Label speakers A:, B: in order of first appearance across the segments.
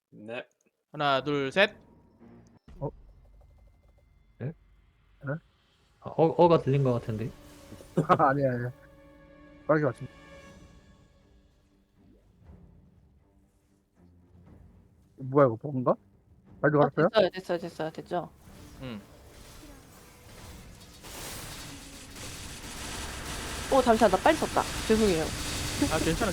A: 네.
B: 하나, 둘, 셋.
C: 어?
D: 네?
C: 네?
D: 아, 어가 들린 것 같은데.
C: 아니야, 아니야. 빠르게 맞춘. 뭐야, 이거 뭔가? 빨리 걸었어요?
E: 됐죠.
B: 응.
E: 오, 잠시만, 나 빨리 썼다. 죄송해요.
B: 아, 괜찮아.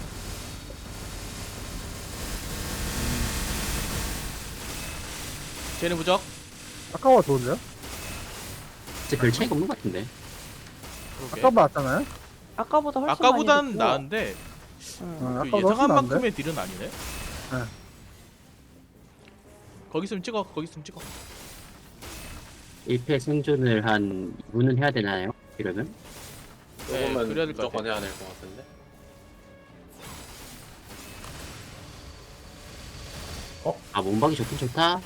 B: 쟤네 무적.
C: 아까워 좋은데요?
A: 진짜 별 차이가 없는 것 같은데.
B: 그러게.
C: 아까 맞았잖아요?
E: 아까보다 훨씬
B: 아까보단
E: 많이
B: 나은데
E: 응.
B: 그
C: 아까보다
B: 예상한
C: 훨씬 나은데?
B: 만큼의 딜은 아니네.
C: 네.
B: 거기 있으면 찍어.
A: 1패 생존을 한 2분은 해야 되나요? 이러면?
B: 네,
F: 조금은
B: 그래야 될 것
F: 무조건
B: 같아.
F: 해야 될 것 같은데.
A: 아, 몸박이 좋긴 좋다.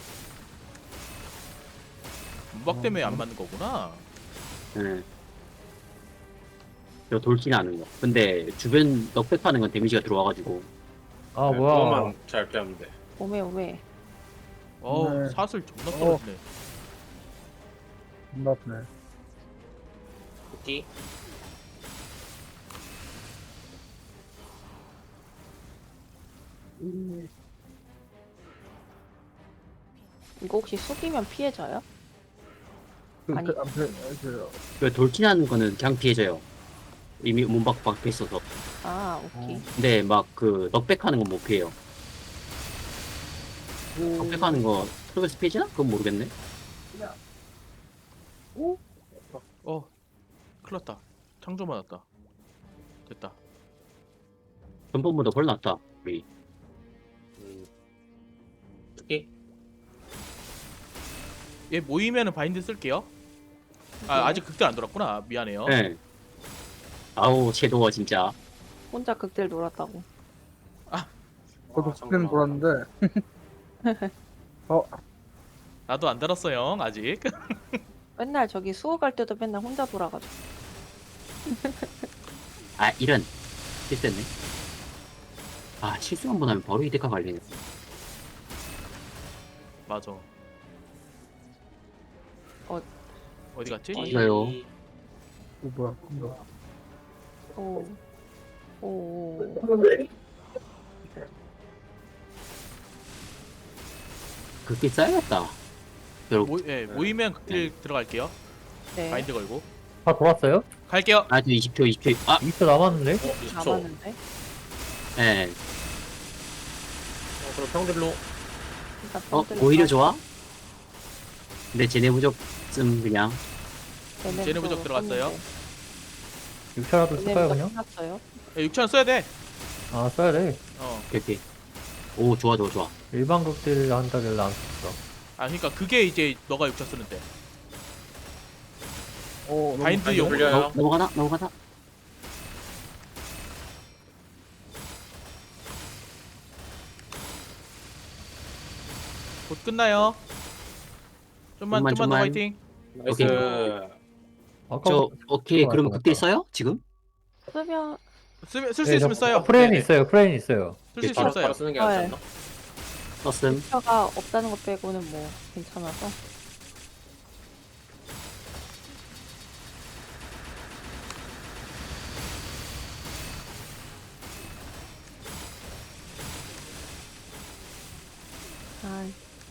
B: 문박 때문에 안 맞는 거구나.
A: 네. 저 돌진하는 거. 근데 주변 넉백하는 건 데미지가 들어와가지고.
D: 아
F: 네,
D: 뭐야.
F: 그것만 잘 피하면 돼.
E: 오메.
B: 어우,
C: 네.
B: 사슬 존나 떨어지네.
C: 존나 아프네.
F: 쿠키.
E: 이거 혹시 숙이면 피해져요? 아니.
A: 그 돌진하는 거는 그냥 피해져요. 이미 몸박 박혀 있어서.
E: 아, 오케이.
A: 근데 막 그 넉백하는 건 못 피해요. 넉백하는 거 프로그래스 피해지나? 그건 모르겠네.
B: 어, 큰일 났다. 창조 맞았다. 됐다.
A: 전번보다 훨 낫다. 우리.
F: 쿠키.
B: 얘 모이면은 바인드 쓸게요. 아, 아직 극대 안 돌았구나. 미안해요.
A: 네. 아우, 섀도워 진짜.
E: 혼자 극딜 놀았다고.
C: 저도
F: 아,
C: 숙제는
F: 잠깐만.
C: 돌았는데.
B: 나도 안 달았어요. 아직.
E: 맨날 저기 수호 갈 때도 맨날 혼자 돌아가지고.
A: 아, 이런. 실수했네. 아, 실수 한 번 하면 바로 이데카 갈리네.
B: 맞아. 어디 갔지?
A: 이거요.
C: 뭐야, 이거.
E: 오.
A: 그렇게 쌓였다. 결국.
B: 모이면 극딜 들어갈게요.
E: 네.
B: 바인드 걸고.
D: 다 돌았어요?
B: 갈게요.
A: 아주 20초. 아,
D: 20초 남았는데?
F: 20초.
E: 남았는데.
A: 예.
F: 그럼 평들로.
E: 일단
A: 어, 오히려 좋아? 근데 쟤네 무적 좀 그냥.
B: 쟤네 무적 들어갔어요.
D: 6초라도 쓸까요 그냥?
E: 끝났어요.
B: 6,000원 써야 돼.
D: 아 써야 돼.
A: 오케이. 오, 좋아.
D: 일반 극딜 한다길래 안 썼어.
B: 아, 그러니까 그게 이제 너가 6,000 쓰는데. 바인드용.
F: 불려요.
A: 넘어가나?
B: 곧 끝나요. 좀만 더 화이팅.
F: 나이스.
D: 아까
A: 오케이. 그러면
D: 맞다.
A: 극딜 써요? 지금?
E: 쓰면
B: 쓸 수 있으면 써요.
D: 프레임
B: 네네.
D: 있어요. 프레임 있어요.
B: 쓸 수 있으면
F: 바로
B: 써요.
F: 쓰는 게 낫지
E: 네.
F: 않나?
A: 썼음.
E: 가 없다는 것 빼고는 뭐 괜찮아서. 아,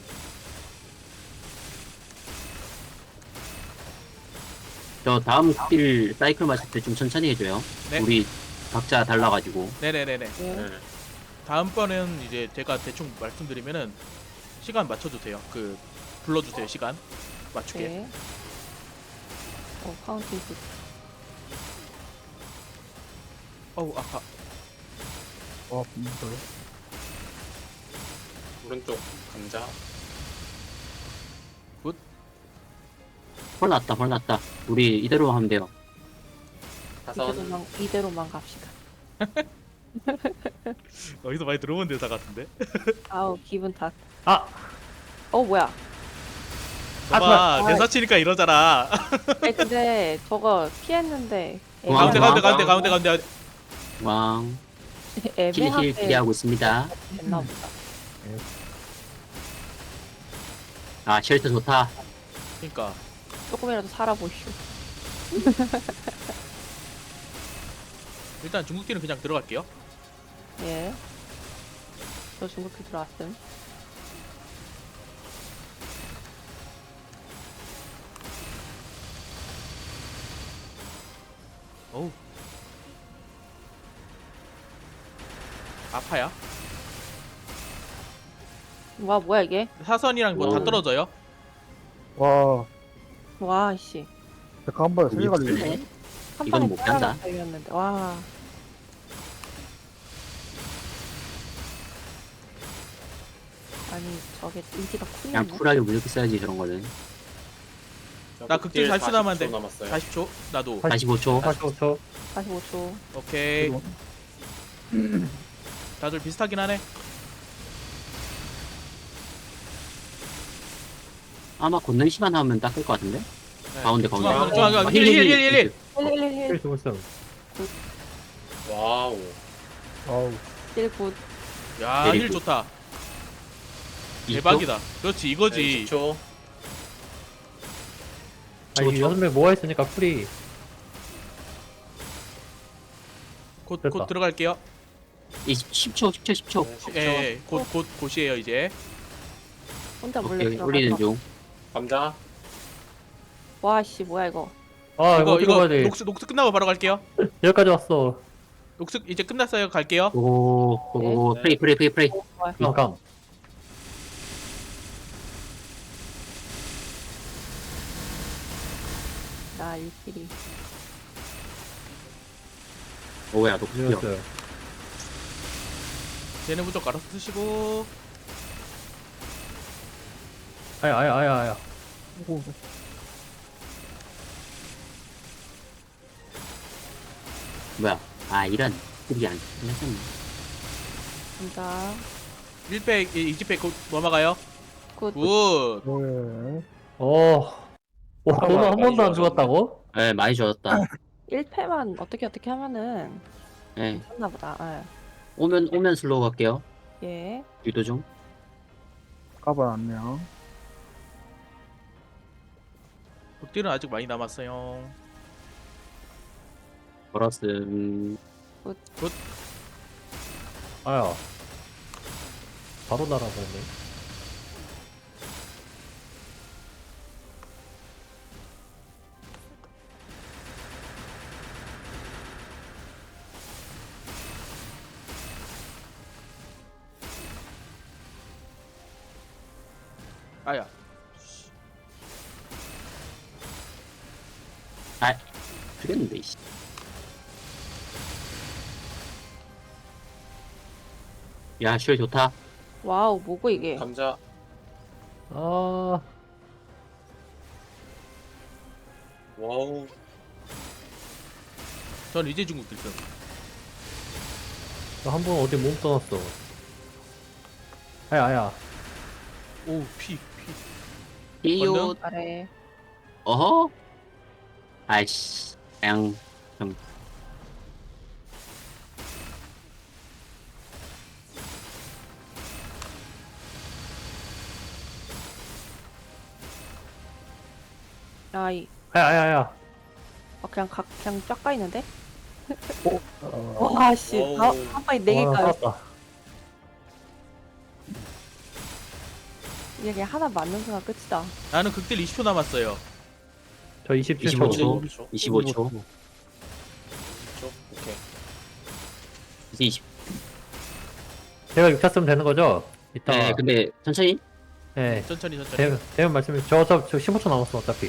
A: 저 다음 극딜 사이클 마실 때 좀 천천히 해줘요.
B: 네.
A: 우리 각자 달라가지고.
B: 네네네네.
E: 네.
F: 네.
B: 다음번엔 이제 제가 대충 말씀드리면은 시간 맞춰주세요. 불러주세요. 시간 맞추게.
E: 네. 카운팅 굿.
B: 어우, 아파.
C: 무서워.
F: 오른쪽 감자.
A: 훨 낫다. 우리 이대로 하면 돼요.
F: 사선.
E: 이대로만 갑시다.
B: 어디서 많이 들어본 대사 같은데?
E: 아우, 기분 탓.
D: 아!
E: 뭐야.
B: 봐봐,
E: 아,
B: 대사 치니까 이러잖아.
E: 근데 저거 피했는데
A: 가운데,
B: 가운데.
A: 왕. 힐
E: 애매하게
A: 기대하고 있습니다.
E: 됐나 보다.
D: 네.
A: 아 쉘터 좋다.
B: 그러니까
E: 조금이라도 살아보시오.
B: 일단 중국딜은 그냥 들어갈게요.
E: 예. 저 중국기 들어왔음.
B: 어우. 아파야.
E: 와, 뭐야 이게?
B: 사선이랑 뭐 다
A: 오.
B: 떨어져요.
C: 와,
E: 와, 씨.
C: 제가 한 번에 세개 갈리네.
A: 네.
E: 한
A: 이건
E: 방에
A: 못 간다.
E: 달렸는데. 와. 아니, 저게 인기가
A: 그냥
E: 쿨이네.
A: 쿨하게 무조건 써야지 저런 거는.
B: 나 극딜 40초 남았는데.
F: 남았어요.
B: 40초. 나도.
A: 45초.
D: 45초.
E: 45초.
B: 오케이. 다들 비슷하긴 하네.
A: 아마 권능 시간 하면 닦을 것 같은데? 가운데 가운데.
B: 중앙 힐.
E: 111.
D: 힐 주고 있어.
F: 와우.
C: 아우,
E: 1굿.
B: 야, 힐
A: 내리고.
B: 좋다.
A: 20초?
B: 대박이다. 그렇지, 이거지.
F: 10초.
D: 아니 6명 모아 있으니까 풀이.
B: 곧
D: 됐다.
B: 들어갈게요.
A: 10초 10초.
F: 네, 10초.
B: 예, 곧이에요 이제.
E: 혼자 몰래
A: 오케이
E: 들어가서.
A: 올리는 중.
F: 감자.
E: 와, 씨, 뭐야 이거.
D: 아 이거
B: 이거
D: 어떻게 가야 돼?
B: 녹스 끝나고 바로 갈게요.
D: 여기까지 왔어.
B: 녹스 이제 끝났어요. 갈게요.
A: 오
F: 네.
A: 프레이.
D: 잠깐.
E: 나 일끼리.
A: 오야 너 그려.
D: 이었어요.
B: 쟤네 부족 알아서 쓰시고.
D: 아야.
A: 뭐야? 아 이런 그게 안 끝났었네.
E: 감자.
B: 1팩 2팩 곧 넘어가요.
E: 굿.
B: 굿.
C: 네.
D: 와 너는 한 번도 안 죽었다고?
A: 네 많이 좋았다.
E: 1패만 어떻게 하면은
A: 네
E: 괜찮나 보다.
A: 오면 슬로우 갈게요.
E: 예.
A: 유도 중.
C: 까봐놨네요.
B: 극딜은 아직 많이 남았어요.
A: 걸었음.
D: 아야. 바로 날아가네.
B: 아야.
A: 죽였는데 이씨. 야 쉘 좋다.
E: 와우, 뭐고 이게?
F: 감자.
D: 아
F: 와우.
B: 전 이제 중국딜 쓴.
D: 한 번 어디 몸 떠났어. 아야.
B: 오, 피.
A: 이요.
B: 건능?
E: 아래.
A: 어허. 아이씨. 그냥 좀
E: 아이.
D: 아야.
E: 그냥 쫙 까이는데?
C: 어,
E: 와, 씨.
F: 와우.
E: 한 방에 4개 까요.
D: 살았다.
E: 이게 그냥 하나 맞는 순간 끝이다.
B: 나는 극딜 20초 남았어요.
D: 저
A: 25초.
D: 27초.
F: 25초.
A: 25초.
F: 오케이.
A: 이제 20.
D: 제가 6차 쓰면 되는 거죠? 이따가.
A: 네 근데 천천히.
D: 네.
B: 천천히.
D: 대면 말씀해. 저 15초 남았어 어차피.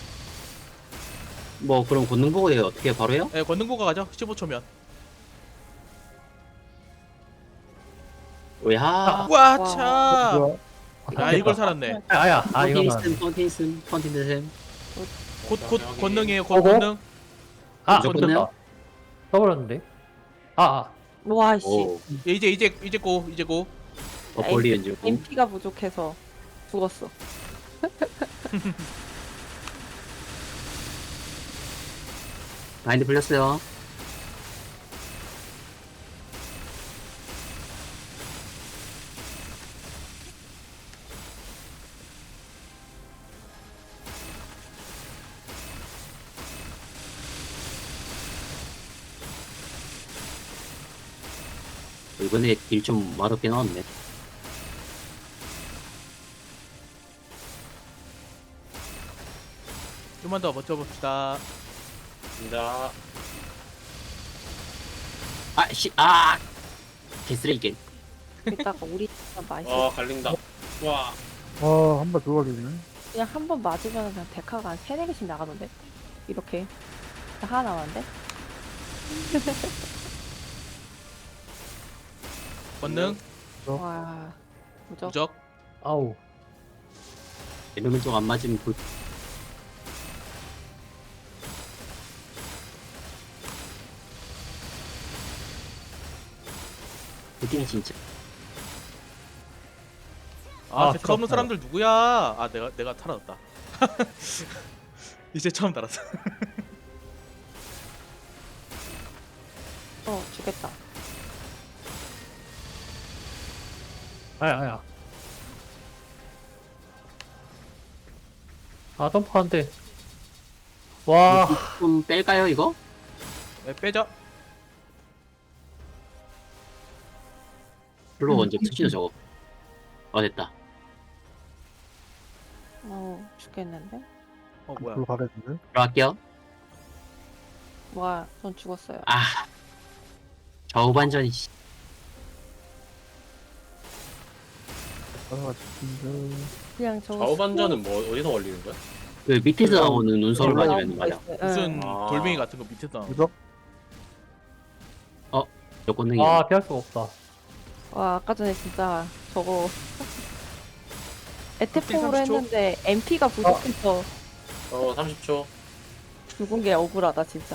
A: 뭐 그럼 권능 보고 내가 어떻게 바로 해요?
B: 예, 권능보가 가죠. 15초면.
A: 오야.
B: 와,
E: 와.
B: 차.
C: 뭐야?
B: 아, 이걸 살았네.
D: 아야. 이거는.
A: 컨틴슨.
B: 곧 권능이에요.
D: 어고?
B: 권능.
A: 무조건
D: 됐다.
A: 해요?
D: 써버렸는데.
E: 와, 씨.
A: 오.
B: 예, 이제 고.
A: 버폴리언 중.
E: MP가 부족해서 죽었어.
A: 마인드 풀렸어요. 이번에 딜 좀 맛없게 나왔네.
B: 좀만 더 버텨봅시다.
F: 감자.
A: 개쓰레기.
E: 이따가 우리 진짜 맛있어.
F: 갈린다. 와.
C: 한 번 더 걸리네.
E: 그냥 한 번 맞으면 그냥 데카가 한 3, 4개씩 나가던데? 이렇게. 하나 남았는데?
B: 권능,
E: 와. 무적.
B: 무적.
D: 아우.
A: 이러면 좀 안 맞으면 그게 진짜.
B: 아, 데카 없는
D: 부럽다.
B: 사람들 누구야? 아, 내가 살아났다. 이제 처음 달았어.
E: 죽겠다.
D: 아야. 아, 점프 안 돼. 와.
A: 좀 뺄까요 이거?
B: 네, 빼자.
A: 별로 먼저 투시도 저거. 됐다.
E: 죽겠는데?
B: 뭐야?
C: 불 가겠는데?
A: 들어갈게요.
E: 와, 전 죽었어요.
A: 좌우반전. 씨.
C: 따라가지고.
E: 그냥 저거.
F: 좌우반전은 뭐 어디서 걸리는 거야?
A: 그 밑에서 나오는 눈썹을
E: 수고
A: 맞으면 맞아.
B: 무슨
F: 아.
B: 돌멩이 같은 거 밑에서 나오는
C: 무적?
A: 여권능이.
D: 아, 피할 수가 없다.
E: 와, 아까 전에 진짜 저거. 에테폼으로
B: 30초?
E: 했는데 MP가 부족해서
F: 30초.
E: 죽은 게 억울하다, 진짜.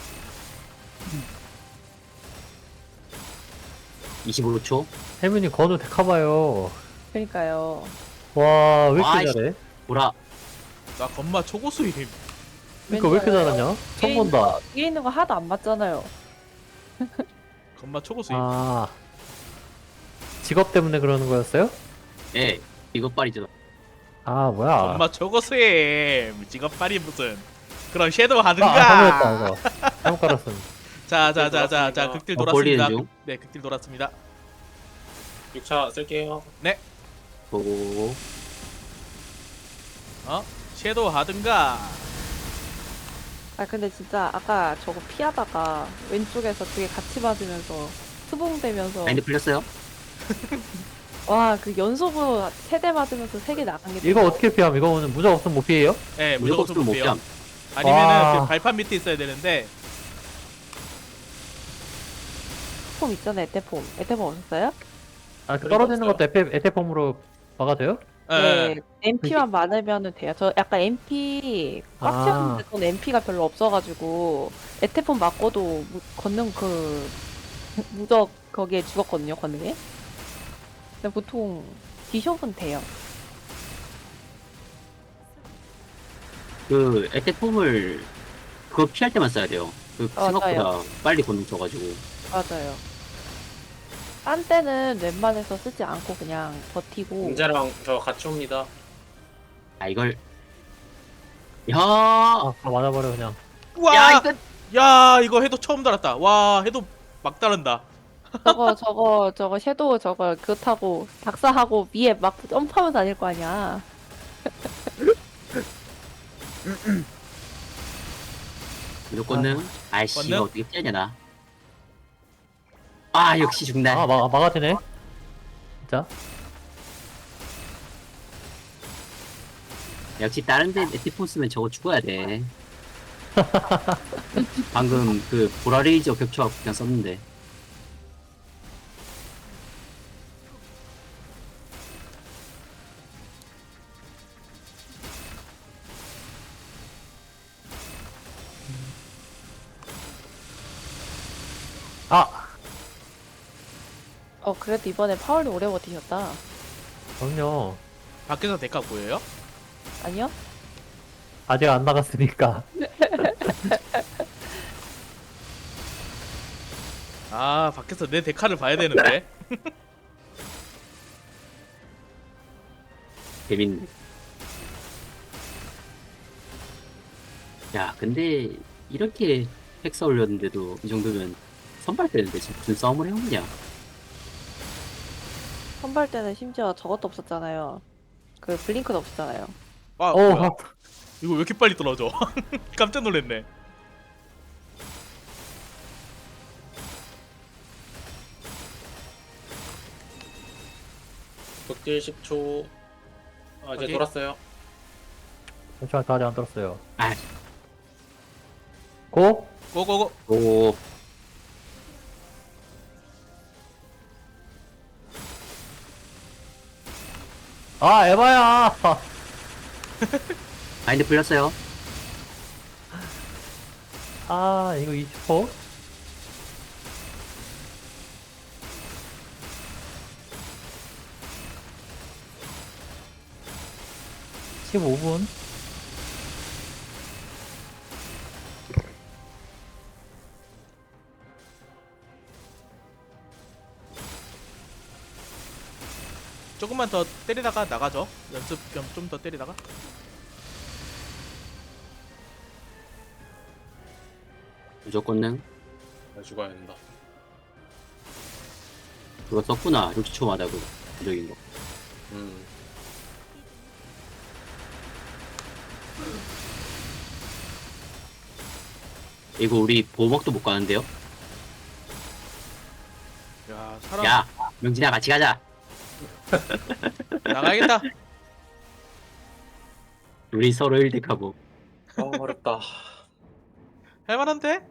A: 25초.
D: 혜민이 건우 데카봐요.
E: 그러니까요.
D: 와, 왜 이렇게
A: 아이씨.
D: 잘해?
A: 보라.
B: 나 건마 초고수임.
D: 그니까 왜 이렇게 잘하냐? 처음 본다.
E: 뒤에 있는 거 하나도 안 맞잖아요.
B: 건마 초고수임.
D: 아. 직업 때문에 그러는 거였어요?
A: 예. 이것빨이죠.
D: 아, 뭐야.
B: 건마 초고수임. 직업빨이 무슨. 그럼 섀도우
D: 아,
B: 하든가.
D: 잘못했다, 이거. 잘못 깔았음.
B: 자,
F: 돌았습니다.
B: 극딜
A: 벌리는
B: 돌았습니다.
A: 중.
B: 네, 극딜 돌았습니다.
F: 6차 쓸게요.
A: 보고.
B: 섀도우 하든가.
E: 아, 근데 진짜 아까 저거 피하다가 왼쪽에서 두 개 같이 맞으면서 수봉되면서
A: 마인드 풀렸어요?
E: 와, 그 연속으로 3대 맞으면서 3개 나간 게
D: 이거 어떻게 피함? 이거 오늘 무적 없으면 못 피해요?
B: 네,
A: 무조건
B: 무조건
A: 못
B: 못해요.
A: 피함.
B: 아니면은
D: 와.
B: 그 발판 밑에 있어야 되는데.
E: 폼 있잖아요, 에테폼. 에테폼 없었어요?
D: 아, 그
B: 그런 거
D: 떨어지는 것도 에테폼으로 막아줘요?
B: 네.
E: MP만 많으면은 돼요. 저 약간 MP 꽉
D: 아.
E: 채웠는데 전 MP가 별로 없어가지고 에테폼 맞고도 걷는 그 무적 거기에 죽었거든요, 걷는게. 근데 보통 비숍은 돼요.
A: 그 에테폼을 그거 피할 때만 써야 돼요. 그
E: 맞아요.
A: 생각보다 빨리 곤능 쳐가지고.
E: 맞아요. 딴 때는 웬만해서 쓰지 않고 그냥 버티고.
F: 감자랑 저 같이 옵니다.
A: 이걸. 야.
D: 아, 다 맞아버려, 그냥.
B: 우와!
A: 야 이거.
B: 야, 이거 해도 처음 달았다. 와, 해도 막 다른다.
E: 저거 섀도우 저거 그거 타고 박사하고 위에 막 점프하면서 다닐 거 아니야.
A: 무조건능. 아이씨
B: 건능?
A: 이거 어떻게 피하냐 나. 역시 죽네.
D: 아, 막아지네. 진짜.
A: 역시 다른 데 에테폼 쓰면 저거 죽어야 돼. 방금 그 보라레이저 겹쳐갖고 그냥 썼는데.
D: 아!
E: 그래도 이번에 파울이 오래 버티셨다.
D: 그럼요.
B: 밖에서 데카 보여요?
E: 아니요?
D: 아직 안 나갔으니까.
B: 아, 밖에서 내 데카를 봐야 되는데.
A: 재밌네. 야, 근데 이렇게 팩스 올렸는데도 이 정도면 선발 되는데 지금 무슨 싸움을 해오냐?
E: 선발 때는 심지어 저것도 없었잖아요. 그 블링크도 없었잖아요.
B: 아
D: 오,
B: 뭐야? 이거 왜 이렇게 빨리 떨어져? 깜짝 놀랐네.
F: 극딜 10초. 아, 이제
B: 오케이.
F: 돌았어요.
D: 잠시만, 다 아직 안 들었어요.
A: 아,
D: 고?
B: 고고고.
A: 오,
D: 아, 에바야!
A: 바인드 풀렸어요.
D: 아, 이거 20호? (15분)
B: 조금만 더 때리다가 나가죠. 연습 겸 좀 더 때리다가.
A: 무조건 능.
F: 나 죽어야 된다.
A: 그거 썼구나. 60초마다 그 부적인 거.
F: 음.
A: 이거 우리 보호막도 못 가는데요?
B: 야 사람
A: 야, 명진아 같이 가자.
B: 나가야겠다.
A: 우리 서로 1덱하고.
F: 아, 어렵다.
B: 할만한데?